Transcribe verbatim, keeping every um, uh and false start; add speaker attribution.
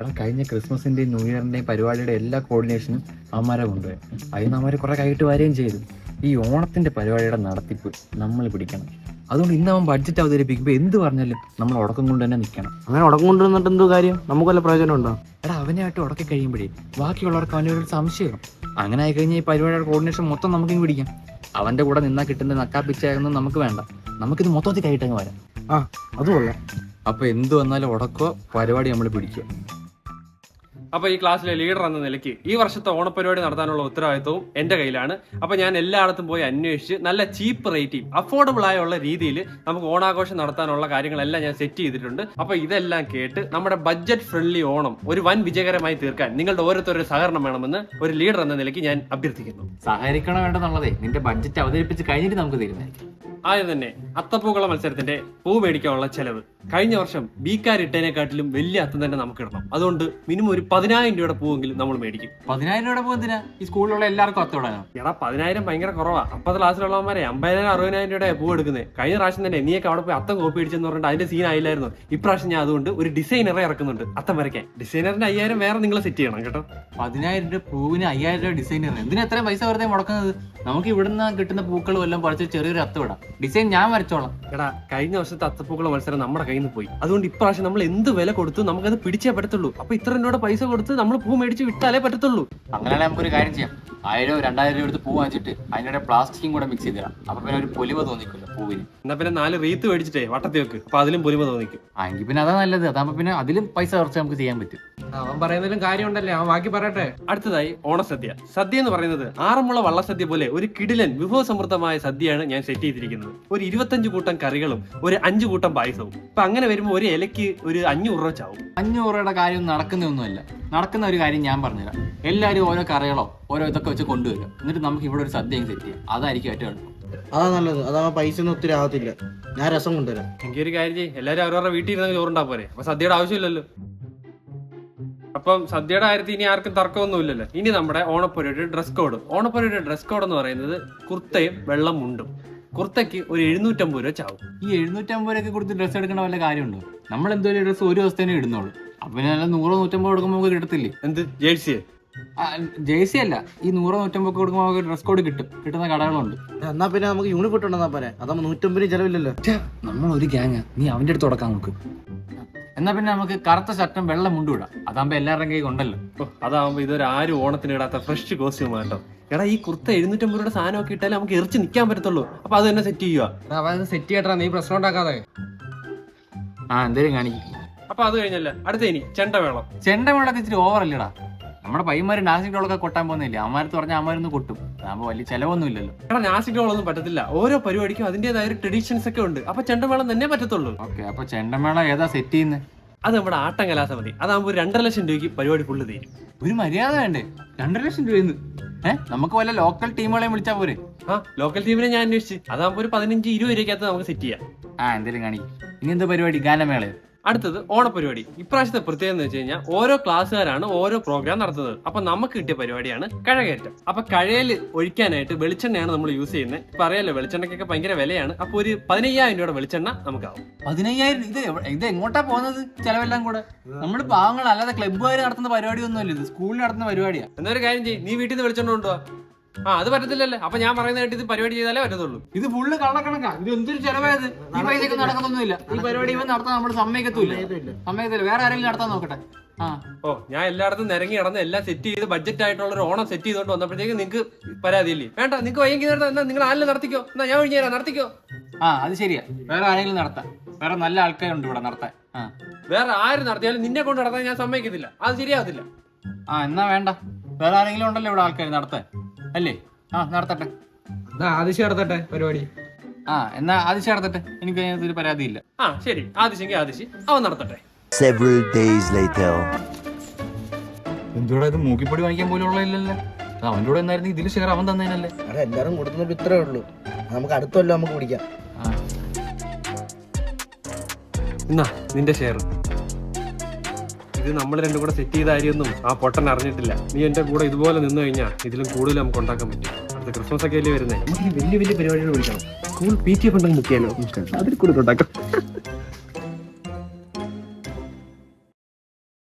Speaker 1: എടാ കഴിഞ്ഞ ക്രിസ്മസിന്റെയും ന്യൂ ഇയറിന്റെയും പരിപാടിയുടെ എല്ലാ കോർഡിനേഷനും അവന്മാരെ കൊണ്ടുപോയി. അതിന് അവന്മാർ കുറെ കൈയിട്ട് വരികയും ചെയ്തു. ഈ ഓണത്തിന്റെ പരിപാടിയുടെ നടത്തിപ്പ് നമ്മൾ പിടിക്കണം. അതുകൊണ്ട് ഇന്ന് അവൻ ബഡ്ജറ്റ് അവതരിപ്പിക്കുമ്പോൾ എന്ത് പറഞ്ഞാലും നമ്മൾ ഉടക്കം കൊണ്ട് തന്നെ നിൽക്കണം.
Speaker 2: അങ്ങനെ ഉടക്കം കൊണ്ടുവന്നിട്ട് എന്തോ കാര്യം? നമുക്ക് വല്ല പ്രയോജനം ഉണ്ടോ?
Speaker 1: എടാ അവനായിട്ട് ഉടക്കി കഴിയുമ്പോഴേ ബാക്കിയുള്ളവർക്ക് അവൻ്റെ ഒരു സംശയം. അങ്ങനെ ആയി കഴിഞ്ഞാൽ ഈ പരിപാടിയുടെ കോർഡിനേഷൻ മൊത്തം നമുക്കിങ്ങ് പിടിക്കാം. അവന്റെ കൂടെ നിന്നാ കിട്ടുന്ന നക്കാപ്പിച്ചായൊന്നും നമുക്ക് വേണ്ട. നമുക്കിത് മൊത്തത്തിൽ കൈയിട്ടങ്ങ് വരാം.
Speaker 2: ആ അത് കൊള്ളാം.
Speaker 1: അപ്പൊ എന്ത് വന്നാലും ഉടക്കോ പരിപാടി നമ്മൾ പിടിക്കുക.
Speaker 3: അപ്പോൾ ഈ ക്ലാസ്സിലെ ലീഡർ എന്ന നിലയ്ക്ക് ഈ വർഷത്തെ ഓണപരിപാടി നടത്താനുള്ള ഉത്തരവാദിത്വവും എൻ്റെ കയ്യിലാണ്. അപ്പോൾ ഞാൻ എല്ലായിടത്തും പോയി അന്വേഷിച്ച് നല്ല ചീപ്പ് റേറ്റിൽ അഫോർഡബിൾ ആയുള്ള രീതിയിൽ നമുക്ക് ഓണാഘോഷം നടത്താനുള്ള കാര്യങ്ങളെല്ലാം ഞാൻ സെറ്റ് ചെയ്തിട്ടുണ്ട്. അപ്പോൾ ഇതെല്ലാം കേട്ട് നമ്മുടെ ബഡ്ജറ്റ് ഫ്രണ്ട്ലി ഓണം ഒരു വൻ വിജയകരമായി തീർക്കാൻ നിങ്ങളുടെ ഓരോരുത്തരുടെ സഹകരണം വേണമെന്ന് ഒരു ലീഡർ എന്ന നിലയ്ക്ക് ഞാൻ അഭ്യർത്ഥിക്കുന്നു.
Speaker 1: സഹകരിക്കണം വേണ്ടെന്നുള്ളതേ നിന്റെ ബഡ്ജറ്റ് അവതരിപ്പിച്ച് കഴിഞ്ഞിട്ട് നമുക്ക് തീരുമാനിക്കാം.
Speaker 3: ആദ്യം തന്നെ അത്തപ്പൂക്കള മത്സരത്തിന്റെ പൂ മേടിക്കാനുള്ള ചെലവ് കഴിഞ്ഞ വർഷം ബീക്കാരിട്ടതിനെക്കാട്ടിലും വലിയ അത്തം തന്നെ നമുക്ക് ഇടണം. അതുകൊണ്ട് മിനിമം ഒരു പതിനായിരം രൂപയുടെ പൂവെങ്കിലും നമ്മൾ മേടിക്കും.
Speaker 1: പതിനായിരം രൂപയുടെ പൂ എന്തിനാ? ഈ സ്കൂളിലുള്ള എല്ലാവർക്കും അത്തോടാനോ?
Speaker 3: എടാ പതിനായിരം ഭയങ്കര കുറവാ. അപ്പത്തെ ക്ലാസ്സിലുള്ളവന്മാരെ അമ്പതിനായിരം അറുപതിനായിരം രൂപയുടെ പൂ എടുക്കുന്നത്. കഴിഞ്ഞ പ്രാവശ്യം തന്നെ നീയൊക്കെ അവിടെ പോയി അത്തം കോപ്പി അടിച്ചെന്ന് പറഞ്ഞിട്ട് അതിന്റെ സീൻ ആയില്ലായിരുന്നു. ഇപ്രാവശ്യം ഞാൻ അതുകൊണ്ട് ഒരു ഡിസൈനറെ ഇറക്കുന്നുണ്ട് അത്തം വരയ്ക്കാൻ. ഡിസൈനറിന്റെ അയ്യായിരം വേറെ നിങ്ങൾ സെറ്റ് ചെയ്യണം കേട്ടോ.
Speaker 1: പതിനായിരം രൂപ പൂവിന് അയ്യായിരം രൂപ ഡിസൈനർ എന്തിനാ എത്രയും പൈസ വെറുതെ മുടക്കുന്നത്? നമുക്ക് ഇവിടുന്ന് കിട്ടുന്ന പൂക്കളും എല്ലാം പറിച്ച് ചെറിയൊരു അത്തം ഇടാം. ഡിസൈൻ ഞാൻ വരച്ചോളാം.
Speaker 3: എടാ കഴിഞ്ഞ വർഷത്തെ അത്തപ്പൂക്കള മത്സരം നമ്മുടെ കയ്യിൽ നിന്ന് പോയി. അതുകൊണ്ട് ഇപ്രാവശ്യം നമ്മൾ എന്ത് വില കൊടുത്തു നമുക്കത് പിടിച്ചേ പറ്റത്തുള്ളൂ. അപ്പൊ ഇത്ര രൂപയുടെ പൈസ കൊടുത്ത് നമ്മൾ പൂ മേടിച്ച് വിട്ടാലേ പറ്റത്തുള്ളൂ.
Speaker 1: അങ്ങനെയാണെങ്കിൽ നമുക്കൊരു കാര്യം ചെയ്യാം. ആയിരം രണ്ടായിരം രൂപ എടുത്ത് പൂ വാങ്ങിച്ചിട്ട് അതിൻ്റെ പ്ലാസ്റ്റിക്കും കൂടെ മിക്സ് ചെയ്തിടാം. അപ്പൊ പിന്നെ ഒരു പൊലിമ തോന്നിക്കില്ല പൂവിന്.
Speaker 3: എന്നാ പിന്നെ നാല് റീത്ത് മേടിച്ചിട്ടേ വട്ടത്തി വെക്ക്. അപ്പൊ അതിലും പൊലിമ തോന്നിക്കും.
Speaker 1: ആ എങ്കിൽ പിന്നെ അതാ നല്ലത്. അതാകുമ്പോ പിന്നെ അതിലും പൈസ കുറച്ച് നമുക്ക് ചെയ്യാൻ പറ്റും.
Speaker 2: അവൻ പറയുന്നതിലും കാര്യമുണ്ടല്ലേ, അവൻ ബാക്കി പറയട്ടെ.
Speaker 3: അടുത്തതായി ഓണസദ്യ. സദ്യ എന്ന് പറയുന്നത് ആറന്മുള വള്ളസദ്യ പോലെ ഒരു കിടിലൻ വിഭവസമൃദ്ധമായ സദ്യയാണ് ഞാൻ സെറ്റ് ചെയ്തിരിക്കുന്നത്. ഒരു ഇരുപത്തഞ്ച് കൂട്ടം കറികളും ഒരു അഞ്ചു കൂട്ടം പായസവും. അപ്പൊ അങ്ങനെ വരുമ്പോൾ ഒരു ഇലക്ക് ഒരു അഞ്ഞൂറ് രൂപ ചാവും.
Speaker 1: അഞ്ഞൂറ് രൂപയുടെ കാര്യം നടക്കുന്നൊന്നുമല്ല. നടക്കുന്ന ഒരു കാര്യം ഞാൻ പറഞ്ഞുതരാം. എല്ലാവരും ഓരോ കറികളോ ഓരോ ഇതൊക്കെ വെച്ച് കൊണ്ടുവരും. എന്നിട്ട് നമുക്ക് ഇവിടെ ഒരു സദ്യ സെറ്റ് ചെയ്യാം. അതായിരിക്കും ഏറ്റവും എളുപ്പം.
Speaker 2: അതാ നല്ലത്. അതാവുമ്പോ പൈസ ഒന്നും ഒത്തിരി ആവത്തില്ല. ഞാൻ രസം കൊണ്ടുവരാം.
Speaker 3: എനിക്ക് ഒരു കാര്യം ചെയ്യും, എല്ലാവരും അവരവരുടെ വീട്ടിൽ ഇരുന്ന് ചോറുണ്ടാ പോരെ. അപ്പൊ സദ്യയുടെ ആവശ്യമില്ലല്ലോ. അപ്പം സദ്യയുടെ കാര്യത്തിൽ ഇനി ആർക്കും തർക്കമൊന്നും ഇല്ലല്ലോ. ഇനി നമ്മുടെ ഓണപ്പുരയുടെ ഡ്രസ് കോഡ്. ഓണപ്പുരയുടെ ഡ്രസ് കോഡ് എന്ന് പറയുന്നത് കുർത്തയും വെള്ളം മുണ്ടും. കുർത്തയ്ക്ക് ഒരു എഴുന്നൂറ്റമ്പത് രൂപ ചാവും.
Speaker 1: ഈ എഴുന്നൂറ്റമ്പത് രൂപയ്ക്ക് കൊടുത്ത് ഡ്രസ്സ് എടുക്കണ വല്ല കാര്യമുണ്ടോ? നമ്മൾ എന്തോലും ഡ്രസ്സ് ഒരു ദിവസത്തേനെ ഇടുന്നുള്ളൂ. അപ്പൊ പിന്നെ നല്ല നൂറോ നൂറ്റമ്പത് കൊടുക്കുമ്പോൾ നമുക്ക് കിട്ടത്തില്ലേ?
Speaker 3: എന്ത് ജേഴ്സിയെ?
Speaker 1: ജേഴ്സി അല്ല, ഈ നൂറോ നൂറ്റമ്പത് കൊടുക്കുമ്പോൾ നമുക്ക് ഡ്രസ് കോഡ് കിട്ടും. കിട്ടുന്ന കടകളുണ്ട്.
Speaker 2: എന്നാ പിന്നെ നമുക്ക് യൂണിഫോം ഇട്ടുണ്ടെന്നാ പോരെ. അതാകുമ്പോ നൂറ്റമ്പതിന് ചെലവില്ലല്ലോ.
Speaker 1: നമ്മൾ ഒരു ഗ്യാങ്. നീ അവന്റെ അടുത്ത് തുടക്കാൻ നോക്ക്. എന്നാ പിന്നെ നമുക്ക് കറുത്ത ഷർട്ടും വെള്ളം മുണ്ടും ഇടാം. അതാകുമ്പോ എല്ലാവരുടെയും കൈ കൊണ്ടല്ലോ.
Speaker 3: അതാകുമ്പോ ഇതൊരു ആരും ഓണത്തിന് ഇടാത്ത ഫ്രഷ് കോസ്റ്റ്യൂം കേട്ടോ. എടാ ഈ കുർത്ത എഴുന്നൂറ്റമ്പത് രൂപയുടെ സാധനമൊക്കെ ഇട്ടാലേ നമുക്ക് എറിച്ച് നിൽക്കാൻ പറ്റത്തുള്ളൂ. അപ്പൊ അത് തന്നെ സെറ്റ് ചെയ്യുക.
Speaker 2: സെറ്റ് ചെയ്യട്ടാ, നീ പ്രശ്നം ഉണ്ടാക്കാതെ.
Speaker 1: ആ എന്തേലും കാണിക്കും.
Speaker 3: അപ്പൊ അത് കഴിഞ്ഞല്ല അടുത്ത ഇനി ചെണ്ടമേളം.
Speaker 1: ചെണ്ടമേളൊക്കെ ഇച്ചിരി ഓവറല്ലേടാ. നമ്മുടെ പയ്യന്മാര് നാസിക് ഡോളൊക്കെ കൊട്ടാൻ പോകുന്നില്ല. അമ്മാരത്ത് പറഞ്ഞാൽ അമ്മാരൊന്നും കൊട്ടും. അതാകുമ്പോ വലിയ ചെലവൊന്നും ഇല്ലല്ലോ.
Speaker 3: എടാ നാസിക് ഡോളൊന്നും പറ്റത്തില്ല. ഓരോ പരിപാടിക്കും അതിന്റേതായ ഒരു ട്രഡീഷൻസ് ഒക്കെ ഉണ്ട്. അപ്പൊ ചെണ്ടമേളം തന്നെ പറ്റത്തുള്ളൂ.
Speaker 1: ഓക്കെ, അപ്പൊ ചെണ്ടമേള ഏതാ സെറ്റ് ചെയ്യുന്നത്?
Speaker 3: അത് നമ്മുടെ ആട്ടം കലാസമിതി. അതാകുമ്പോ ഒരു രണ്ടര ലക്ഷം രൂപയ്ക്ക് പരിപാടി ഫുള്ള് തീരും.
Speaker 1: ഒരു മര്യാദ വേണ്ടേ? രണ്ടര ലക്ഷം രൂപയെന്ന്? ഏഹ് നമുക്ക് വല്ല ലോക്കൽ ടീമുകളെ വിളിച്ചാൽ പോരെ?
Speaker 3: ആ ലോക്കൽ ടീമിനെ ഞാൻ അന്വേഷിച്ച്. അതാകുമ്പോ ഒരു പതിനഞ്ച് ഇരുപത് രൂപയ്ക്കകത്ത് നമുക്ക് സെറ്റ് ചെയ്യാം.
Speaker 1: ആ എന്തേലും കാണിക്കും. ഇനി എന്താ പരിപാടി? ഗാനമേളയോ?
Speaker 3: അടുത്തത് ഓണപരിപാടി. ഇപ്രാവശ്യത്തെ പ്രത്യേകത എന്ന് വെച്ച് കഴിഞ്ഞാൽ ഓരോ ക്ലാസ്സുകാരാണ് ഓരോ പ്രോഗ്രാം നടത്തുന്നത്. അപ്പൊ നമുക്ക് കിട്ടിയ പരിപാടിയാണ് കഴകയറ്റം. അപ്പൊ കഴയിൽ ഒഴിക്കാനായിട്ട് വെളിച്ചെണ്ണയാണ് നമ്മൾ യൂസ് ചെയ്യുന്നത്. ഇപ്പൊ അറിയാലോ വെളിച്ചെണ്ണയ്ക്കൊക്കെ ഭയങ്കര വിലയാണ്. അപ്പൊ ഒരു പതിനയ്യായിരം രൂപയുടെ വെളിച്ചെണ്ണ നമുക്കാവും.
Speaker 1: പതിനയ്യായിരം? ഇത് ഇത് എങ്ങോട്ടാ പോകുന്നത് ചെലവെല്ലാം കൂടെ? നമ്മുടെ പാവങ്ങൾ അല്ലാതെ ക്ലബ്ബുകാർ നടത്തുന്ന പരിപാടി ഒന്നുമല്ല. ഇത് സ്കൂളിൽ നടത്തുന്ന പരിപാടിയാ.
Speaker 3: എന്നൊരു കാര്യം ചെയ്യും, നീ വീട്ടിൽ നിന്ന് വെളിച്ചെണ്ണ കൊണ്ടുപോവാ. ആ അത് പറ്റത്തില്ലല്ലേ? അപ്പൊ ഞാൻ പറയുന്നതായിട്ട് ഇത് പരിപാടി ചെയ്താലേ പറ്റത്തുള്ളൂ.
Speaker 1: ഇത് ഫുള്ള് കള്ളക്കണക്കാ. ഇത് എന്തൊരു ചെലവായത്? ഈ പൈസക്ക് നടക്കുന്നൊന്നുമില്ല. ഈ പരിപാടി ഇവൻ നടത്താൻ നമ്മൾ സമ്മതിക്കത്തില്ല. സമ്മതിക്കത്തില്ല. വേറെ ആരെങ്കിലും നടത്താൻ നോക്കട്ടെ. ആ
Speaker 3: ഓ ഞാൻ എല്ലായിടത്തും നിരങ്ങി നടന്ന് എല്ലാം സെറ്റ് ചെയ്ത് ബഡ്ജറ്റ് ആയിട്ടുള്ള ഒരു ഓണം സെറ്റ് ചെയ്തോണ്ട് വന്നപ്പോഴത്തേക്ക് നിങ്ങൾക്ക് പരാതിയില്ലേ? വേണ്ട, നിങ്ങൾക്ക് വയ്യെങ്കിൽ എന്നാ നിങ്ങൾ ആരെങ്കിലും നടത്തിക്കോ. എന്നാ ഞാൻ ഒഴിഞ്ഞു തരാം, നടത്തിക്കോ.
Speaker 1: ആ അത് ശരിയാ. വേറെ ആരെങ്കിലും നടത്താം. വേറെ നല്ല ആൾക്കാരുണ്ട് ഇവിടെ നടത്താൻ. ആ
Speaker 3: വേറെ ആര് നടത്തിയാലും നിന്നെ കൊണ്ട് നടത്താൻ ഞാൻ സമ്മതിക്കത്തില്ല. അത് ശരിയാവത്തില്ല.
Speaker 1: ആ എന്നാ വേണ്ട, വേറെ ആരെങ്കിലും ഉണ്ടല്ലോ ഇവിടെ ആൾക്കാർ നടത്താൻ അല്ലേ? ആ നടത്തട്ടെ.
Speaker 2: ആദിശ്യം നടത്തട്ടെ പരിപാടി.
Speaker 1: ആ എന്നാ ആദിശ്യം നടത്തട്ടെ. എനിക്ക് അതിനകത്തൊരു പരാതിയില്ല.
Speaker 3: ആ ശരി, ആദിശെങ്കിൽ ആദിശി അവൻ നടത്തട്ടെ.
Speaker 4: Several days later.
Speaker 1: എന്തുകൂടെ ഇത് മൂക്കിപ്പൊടി വാങ്ങിക്കാൻ പോലും ഉള്ളതില്ലല്ലോ. അവൻ്റെ കൂടെ എന്നായിരുന്നു ഇതിൽ ഷെയർ അവൻ തന്നേനല്ലേ?
Speaker 2: എല്ലാരും കൊടുക്കുന്നപ്പോ ഇത്രേ ഉള്ളൂ. നമുക്ക് അടുത്തല്ലോ നമുക്ക് പിടിക്കാം.
Speaker 3: എന്നാ നിന്റെ ഷെയർ. ഇത് നമ്മൾ രണ്ടും കൂടെ സെറ്റ് ചെയ്ത കാര്യമൊന്നും ആ പൊട്ടൻ അറിഞ്ഞിട്ടില്ല. നീ എന്റെ കൂടെ ഇതുപോലെ നിന്ന് കഴിഞ്ഞാൽ ഇതിലും കൂടുതൽ നമുക്ക് ഉണ്ടാക്കാൻ പറ്റും. അടുത്ത ക്രിസ്മസ് ഒക്കെ അല്ലേ വരുന്നത്. നമുക്ക് വലിയ വലിയ പരിപാടികൾ വിളിക്കണം. സ്കൂൾ പി ടി എഫ് ഉണ്ടെങ്കിൽ മുക്കിയാലോ? അതിൽ കൂടുതൽ ഉണ്ടാക്കാം.